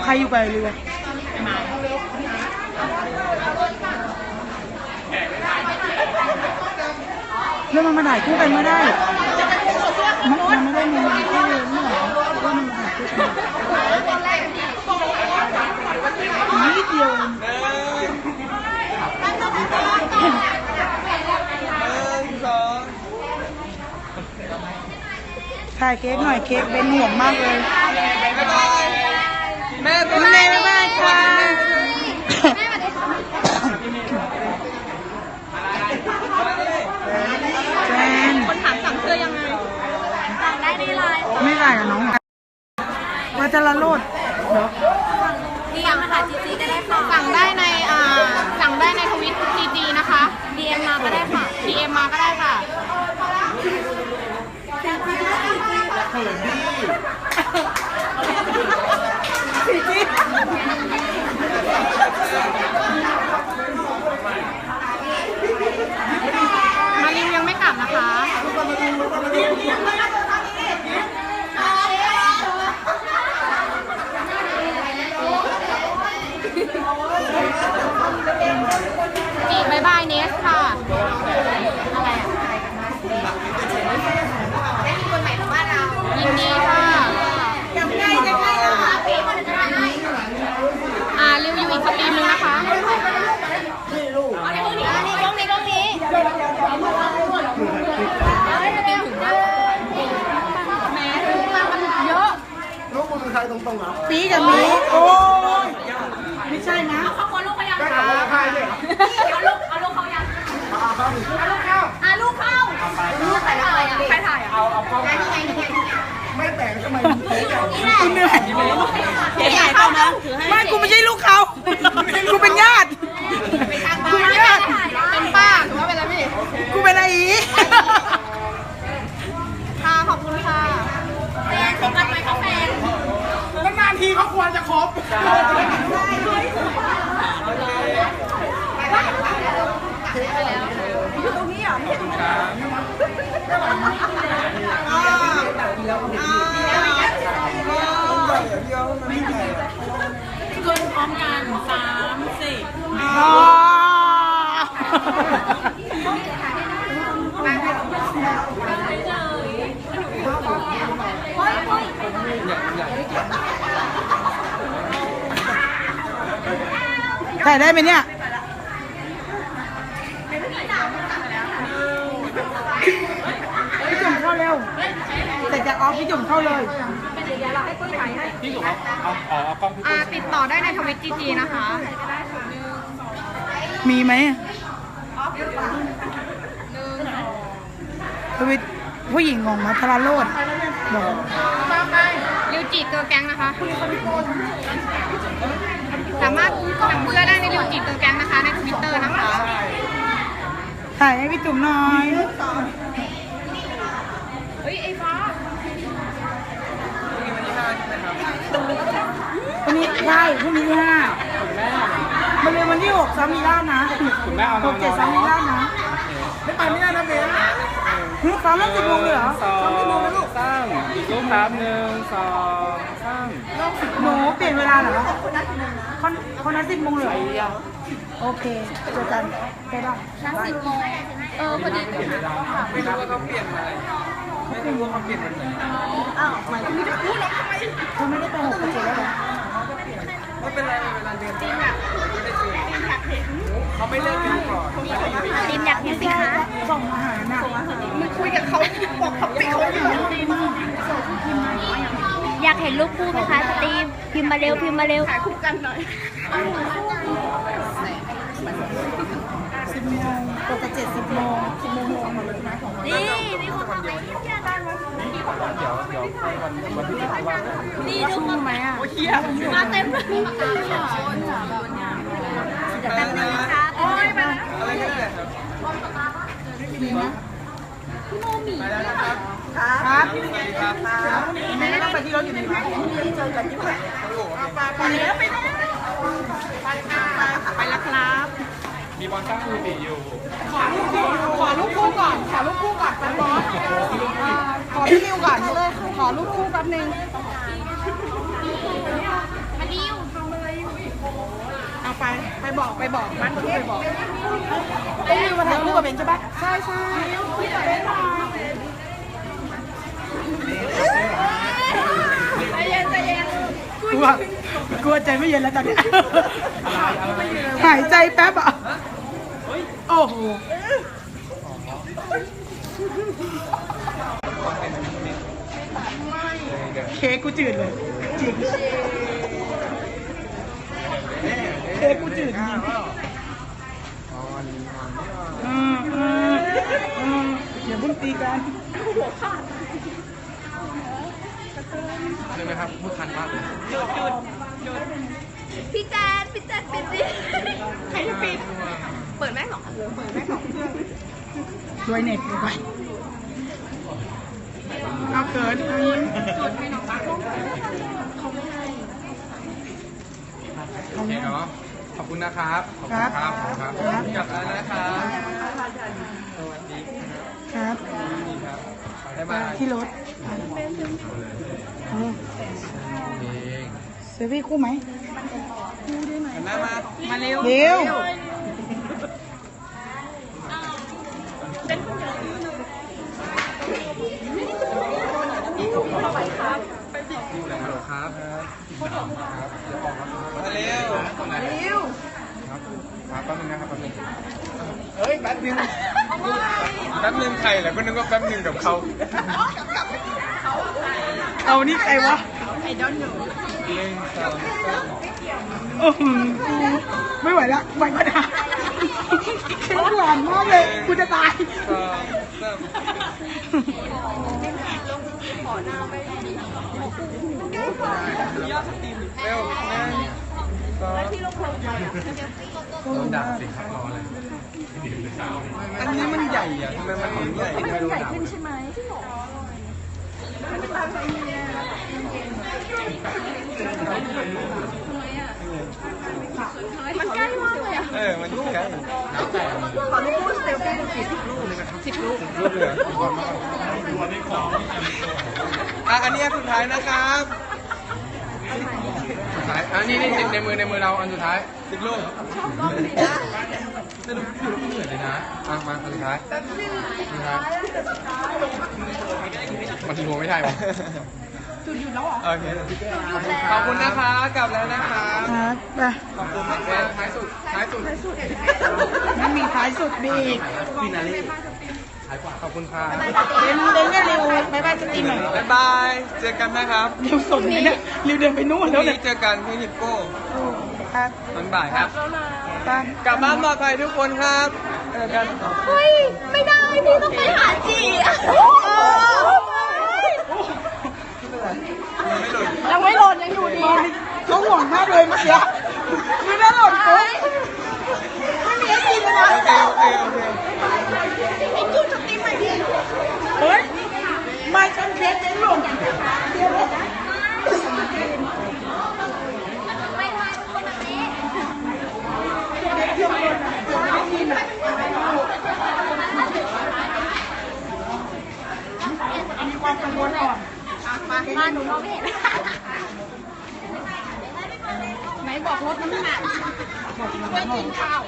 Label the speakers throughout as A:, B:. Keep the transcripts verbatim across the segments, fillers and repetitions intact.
A: ใครอยู่กับเรือแล้วมันมาถ่ายคู่กันไม่ได้มันมันไม่ได้มีมันแค่เลยไม่หรอว่ามันถ่ายคู่กันนิดเดียวถ่ายเค้กหน่อยเค้กเป็นห่วงมากเลยแม่แม่แม่แม่ค่ะแฟนคนถามสั่งเสื้อยังไงสั่งได้ในไลน์ไม่ได้กับน้องมาจะละโลดเดี๋ยวดีเอ็มมาหาจีจีก็ได้ค่ะสั่งได้ในอ่าสั่งได้ในทวิตจีจีนะคะดีเอ็มมาก็ได้ค่ะดีเอ็มมาก็ได้ค่ะเขินดิมาริวยังไม่กลับนะคะจีบายบายเนสค่ะอะไรได้มีคนใหม่ของบ้านเรายินดีค่ะยังไงยังไงอ่ะอ่าริวอยู่อีกสตรีมนึงนะคะนี่ลูกนี่กล้องนี้กล้องนี้กล้องนี้แม่มันเยอะลูกมึงเป็นใครตรงๆเหรอปีกับมีโอ้ยไม่ใช่นะเขาคนลูกเขายังคะเอาลูกเอาลูกเขายังเอาลูกเข้าอ่ะลูกเข้าลูกใครถ่ายอ่ะใครถ่ายอ่ะเอาเอากล้องนี่ไงนี่ไงไม่แต่งทำไมคุณเหนื่อยเก๋ๆเข้านะไม่กูไม่ใช่ลูกเขากูเป็นญาติกูเป็นญาติเป็นป้าหรือว่าเป็นอะไรพี่กูเป็นอะไรอีค่ะขอบคุณค่ะแฟนคบกันไหมเขาแฟนนานๆทีเขาควรจะคบอยู่ตรงนี้เหรอไม่ใช่ตรงนี้ขึ้นพร้อมกันสามสี่ถ่ายได้ไหมเนี่ยพี่จุ่มเข้าเร็วเสร็จจากออฟพี่จุ่มเข้าเลยพี่จุ่มเอาเอาเอากล้องพี่ติดต่อได้ในทวิตจีจีนะคะมีไหมทวิตผู้หญิงของมัทราโรดบอกริวจิเกอร์แก๊งนะคะสามารถสั่งเสื้อได้ในริวจิเกอร์แก๊งนะคะในทวิตเตอร์นะคะถ่ายให้พี่จุ๋มหน่อยเฮ้ยไอ้ฟ้าวันนี้ใช่พรุ่งนี้ที่ห้ามาเรียนวันที่หกซ้ำมีล่านะหกเจ็ดซ้ำมีล่านะไม่ไปไม่ได้นะเบนฮึซ้ำแล้วสิบโมงเลยเหรอซ้ำสิบโมงเลยลูกซ้ำอีกลูกครับหนึ่งสองซ้ำหนูเปลี่ยนเวลาเหรอคนคนนั้นสิบโมงเลยโอเคเจอกันไปได้นัดสิบโมงเออพอดีไม่รู้ว่าเขาเปลี่ยนอะไรไม่รู้ว่าเขาเปลี่ยนอะไรอ้าวหมายถึงจะพูดหรอทำไมเขาไม่ได้ไปหกเจ็ดแล้วหรอไม่เป็นไรเวลาเรียนจริงอ่ะเขาไม่เลิกกันก่อนดินอยากเห็นสิคะส่งอาหารน่ะมึงคุยกับเขาบอกเขาปิดเขาอยู่
B: อยากเห็นรูปคู่ไหมคะสตีมพิมพ์มาเร็วพิมพ์มาเร็ว
A: ถ่ายคู่กันหน่อยสิบโมงปกติเจ็ดสิบโมงสิบโมงหมดเลยนะของวัน
B: นี่มีคนทำอะไรที่เที่ยวได้ไหม
C: เดี๋ยวเดี๋ยววันวันที่จะว่า
B: นี่ดูมาไหมอ่ะมาเต็มเลยจะแป๊บนึงนะคะโอ้ยมา
A: อะไรกันเนี่ยมีไหมพี่โมมีครับครับแม่ต้องไปที่รถอยู่ไหนคะเจอกันที่ไหนไปแล้วไปแล้วไปแล้วครับ
C: มีบอลตั้งมือตีอยู่
A: ขอลูกคู่ขอลูกคู่ก่อนขอลูกคู่ก่อนบอสขอพี่นิวก่อนเลยขอลูกคู่แป๊บนึง
B: มาดิว
A: บอกไปบอกมันไปบอกไอ้ลิวมาถ่ายรูปกับเบนใช่ปะใช่ใช่เบนมาใจเย็นใจเย็นกลัวกลัวใจไม่เย็นแล้วตอนนี้หายใจแป๊บอ่ะโอ้โหเค้กกูจืดเลยจริงเค้กกูจืดจริงอืมอืมอืมอย่าบุ้นตีกัน
C: ใช่ไหมครับพูดทันมากเลย
B: พี่แจนพี่แจนปิดดิใครจะปิดเปิดแม่สองอันเลยเปิดแม่สองเครื่อง
A: ด้วยเน็ตไปเอาเกินจดให้น้องตาเขาไม่ให้
C: โอเคเนาะขอบคุณนะครับขอบคุณครับครับกลับแล้วนะครับสวัสดี
A: ครับ
C: ครับได้มา
A: ที่รถเซฟี่คู่ไหม
C: แม่มา
A: มาเร็วเร็ว
C: ครับครับมาเร็วเร็วครับครับแป๊บนึงนะครับแป๊บนึงเฮ้ยแป๊บนึงแป๊บนึงใครแหละก็นึกว่าแป๊บนึงกับเขา
A: เอานี่ใครวะ
C: เล่นสองสาม
A: โอ้โหไม่ไหวละไหวก็ได้เค้กหวานมากเลยกูจะตาย
C: สองสามเร็วนะสองโดนด่าสิครับรออะไรอันนี้มันใหญ่อะทำไมมันถึงใหญ่ไม่รู้ด่า
B: มันใกล้มากเลยอ่ะ
C: เออมันใกล้ตอนนี้พูดเซลฟี่กี่สิบลูกเลยนะครับสิบลูกลูกเหลืออ่ะอันนี้สุดท้ายนะครับสุดท้ายอันนี้นี่ในมือในมือเราอันสุดท้ายสิบลูกไม่รู้อยู่แล้วก็เหนื่อยเลยนะอ่ะมาอันสุดท้ายสุดท้ายมันถึงหัวไม่ได้ปะจุดหยุดแล้วเหรอโอเคขอบคุณนะคะกลับแล้วนะคะ
A: ครับไป
C: ขอบคุณมากเลยท้ายสุดท้ายสุดท้ายสุด
A: มันมีท้ายสุดมีอีก
C: ฟินาเล่ท้ายกว่าขอบคุณค่ะ
A: เดินเดินเร็วบายบายสตรีมหน่อย
C: บ๊ายบายเจอกันนะครับ
A: เร็วสดเลยเนี่ยเร็วเดินไปนู่น
C: พ
A: แล้ว
C: รุ่ง
A: เนี่
C: นี้
A: ย
C: เจอกันที่ฮิปโก้
A: ครับ
C: ตอนบ่ายครับ
A: ไป
C: กลับบ้านปลอดภัยทุกคนครับเจอกัน
B: เฮ้ยไม่ได้พี่ต้องไปหาจีอ่ะ
C: ไม่หลุด
A: ยังไม่หล่นยังอยู่ดีเขาห่วงมากเลยเมื่อกี้ไม่ได้หล่นปุ๊บไม่มีไอจีเลยนะ
C: โอเคโอเคโอเค
A: ไอ้จุดสตรีมใหม่ดิเฮ้ยมาชันเคสเจ๊หล่นเดี๋ยว
B: ไม่ทันคนแบบนี้
A: เดี๋ยวหล่นอ่ะเดี๋ยวไม่ได้ยินอ่ะมีความกังวลอ่อน
B: มามาหนูมองไม่เห็นไหนบอกลดน้ำหนักไม่กินข้าว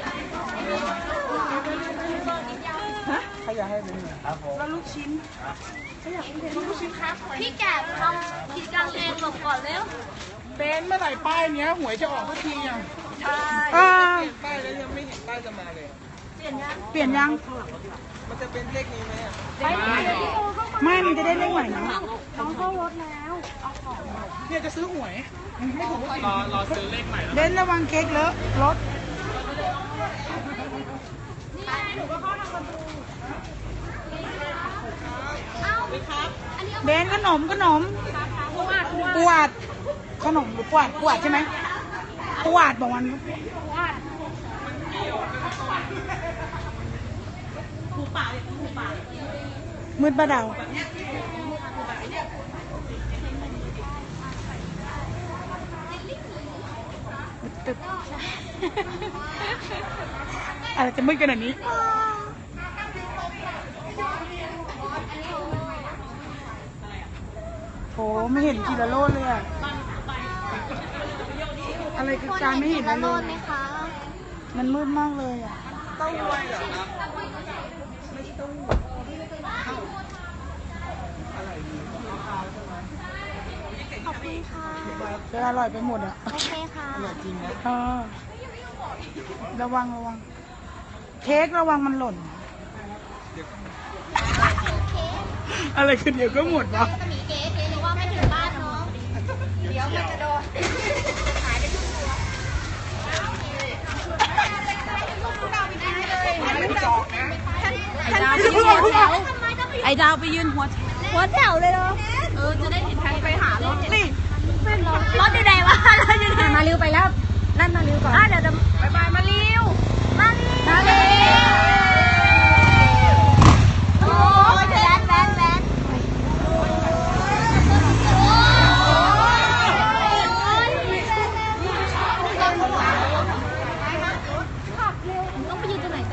A: ใครอยากให้เป็นแล้วลูกชิ้นใครอยากเป็นลูกชิ้นครับ
B: พี่แกะทำกิจกรรมเองหลบก่อนเร็ว
A: เป็นเมื่อไหร่ป้ายเนี้ยหวยจะออกทุกทีอ่ะ
B: ใช่
A: อ่า
C: ป้ายแล้วยังไม่เห็นป้ายจะมาเลย
B: เปลี่ยนยัง
A: เปลี่ยนยัง
C: มันจะเป็นเลขนี้ไหมอ่ะ
A: ไม่มันจะได้เลขใหม่นะ
B: น้องเข้ารถแล้ว
A: เนี่ยจะซื้อหวยให้ผม
C: รอรอซื้อเลขใหม่
A: เล่นระวังเค้กเลอะรถ
B: เอ้าครับอันนี้
A: เบนขนมขนมปวดขนมหรือปวดปวดใช่ไหมปวดบอกมันมืดปะเดาตึ๊บอะไรจะมืดขนาดนี้โหไม่เห็นกีฬาโลดเลยอะอะไรคือการไม่เห็น
B: ละ
A: ละ
B: โล
A: โล
B: ด
A: ด
B: ไหมคะ
A: มันมืดมากเลยอ่ะ
C: เต้าหวยเหรอครับ
B: ขอบคุณค่ะ
A: จะอร่อยไปหมดอ่ะ
B: โอเคค่ะ
C: จริงนะ
A: เออระวังระวัง เค้กระวังมันหล่น อะไรคือเดี๋ยวก็หมดวะ
B: จะมีเก๊เก๊หรือว่าไม่ถึงบ้านเนาะเดี๋ยวมันจะโดนหายไปทุกตัวไอ้ดาวไปยืนหัวหัวแถวเลยเหรอเออจะได้เห็นทางไปหารถนี่รถอยู่ไหนวะรถอยู่ไหนมาเร็วไปแล้วนั่นมาเร็วก่อนเดี๋ยวจะบายบายมาเร็วมาเร็วมาเร็วโอ้ยแวนแวนแวนต้องไปยืนตรงไหนกัน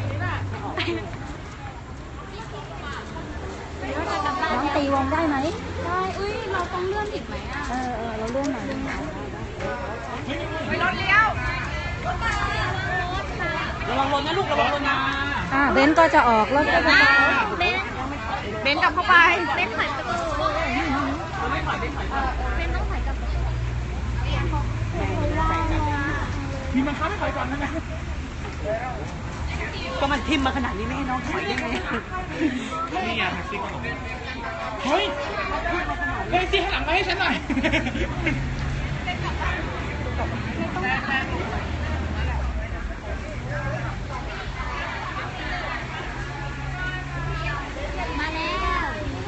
B: น้องตีวงได้ไหมได้อุ้ยเราต้องเลื่อนผิดไหมอ่ะเออเออเราเลื่อนหน่อยไปรถเลี้ยวระวังรถนะลูกระวังรถนะอ่าเบนก็จะออกรถก็จะเบนเบนกลับเข้าไปเบนถอยประตูไม่ถอยไม่ถอยเบนต้องถอยกลับมีมันค้าไม่ถอยก่อนนะ
A: ก็มันทิมมาขนาดนี้ไม่ให้น้องถอยได้ไง
C: นี่ไงแท็กซี่ขนมเฮ้ยแท็กซี่ข้างหลังมาให้ฉันหน่อย
B: มาแล้ว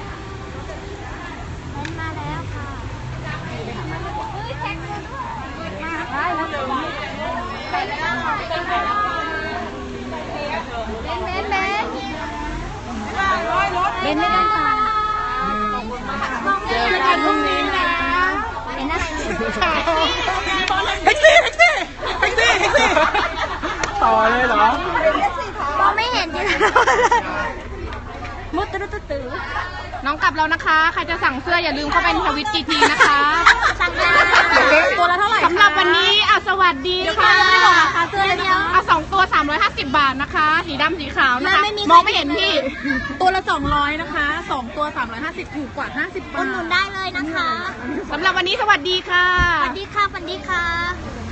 B: มาแล้วค่ะเฮ้ยแจ็คเลยมาได้แล้วเดี๋ยวไปแล้วเบนเบนเบนเบนไม่ต้องตามเจอกันพรุ่งนี้นะเป็นอะไร
A: แท็กซี่แท็กซี่แท็กซี่แท็กซี่
C: ต่อเลยเหรอ
B: มองไม่เห็นจริงมุดตื้อตื้อตื้อ
D: น้องกลับแล้วนะคะ ใครจะสั่งเสื้ออย่าลืมเข้าไปในทวิตจีทีนะคะ
B: สั่งได้
D: ตัวละเท่าไหร่สำหรับวันนี้อ่ะสวัสดีค่ะ
B: ไม่บอกราคาเสื้อเดียว
D: อ่ะสองตัวสามร้อยห้าสิบบาทนะคะ สีดำสีขาวนะคะ
B: ไม่มี
D: มองไม่เห็นพี่ ตัวละสองร้อยนะคะสองตัวสามร้อยห้าสิบถูกกว่าห้าสิบบา
B: อุ
D: ท
B: ดหนุนได้เลยนะคะ
D: สำหรับวันนี้สวัสดีค่ะ
B: สวัสดีค่ะสวัสดีค่ะ